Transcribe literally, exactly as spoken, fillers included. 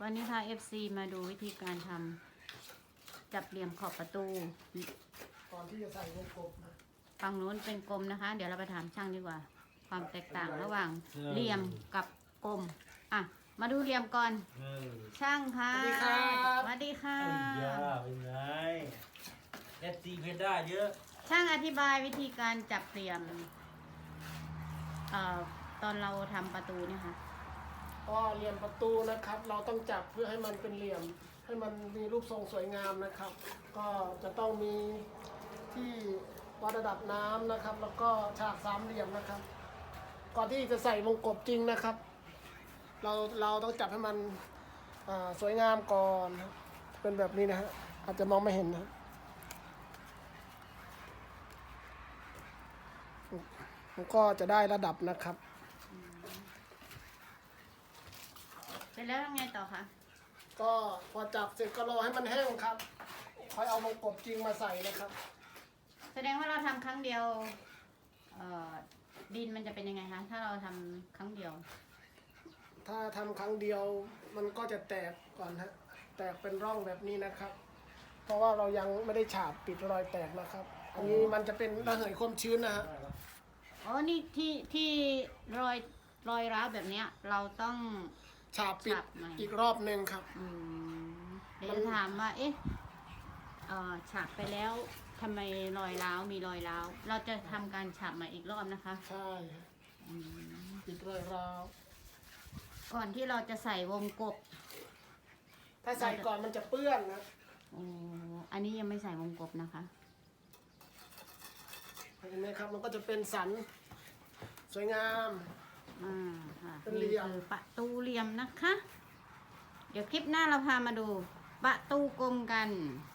วันนี้พา เอฟ ซี มาดูวิธีการทำจับเหลี่ยมขอบประตูก่อนที่จะใส่วงกบนะฝั่งนู้นเป็นกลมนะคะ เดี๋ยวเราไปถามช่างดีกว่า ความแตกต่างระหว่างเหลี่ยมกับกลมอ่ะมาดูเหลี่ยมก่อนเออช่างค่ะสวัสดีครับสวัสดีค่ะไอ้ยาเป็นไงเอฟซีเพชรได้เยอะช่างอธิบายวิธีการจับเหลี่ยมเอ่อตอนเราทำประตูเนี่ยค่ะก็เหลี่ยมประตูนะครับ เราต้องจับเพื่อให้มันเป็นเหลี่ยม ให้มันมีรูปทรงสวยงามนะครับ ก็จะต้องมีที่วัดระดับน้ำนะครับ แล้วก็ฉากสามเหลี่ยมนะครับ ก่อนที่จะใส่วงกบจริงนะครับ เราเราต้องจับให้มันอ่าสวยงามก่อนครับเป็นแบบนี้นะฮะอาจจะมองไม่เห็นนะมันก็จะได้ระดับนะครับเสร็จแล้วยังไงต่อคะก็พอจับเสร็จก็รอให้มันแห้งครับค่อยเอาวงกบจริงมาใส่นะครับแสดงว่าเราทำครั้งเดียวเอ่อดินมันจะเป็นยังไงคะถ้าเราทำครั้งเดียวถ้าทำครั้งเดียวมันก็จะแตกก่อนฮะแตกเป็นร่องแบบนี้นะครับ เพราะว่าเรายังไม่ได้ฉาบปิดรอยแตกนะครับ อันนี้มันจะเป็นระเหยความชื้นนะฮะอ๋อ นี่ที่ที่รอยรอยร้าวแบบเนี้ย เราต้องฉาบปิดฉาบใหม่อีกรอบหนึ่งครับอืมเดี๋ยวจะถามว่า เอ๊ะเอ่อฉาบไปแล้วทำไมรอยร้าวมีรอยร้าว เราจะทำการฉาบใหม่อีกรอบนะคะใช่ฮะอืมปิดรอยราวก่อนที่เราจะใส่วงกบถ้าใส่ก่อนมันจะเปื้อนนะโอ้อันนี้ยังไม่ใส่วงกบนะคะเห็นไหมครับมันก็จะเป็นสันสวยงามอ่าค่ะเป็นเหลี่นี่ยมคือประตูเหลี่ยมนะคะ เดี๋ยวคลิปหน้าเราพามาดูประตูกลมกัน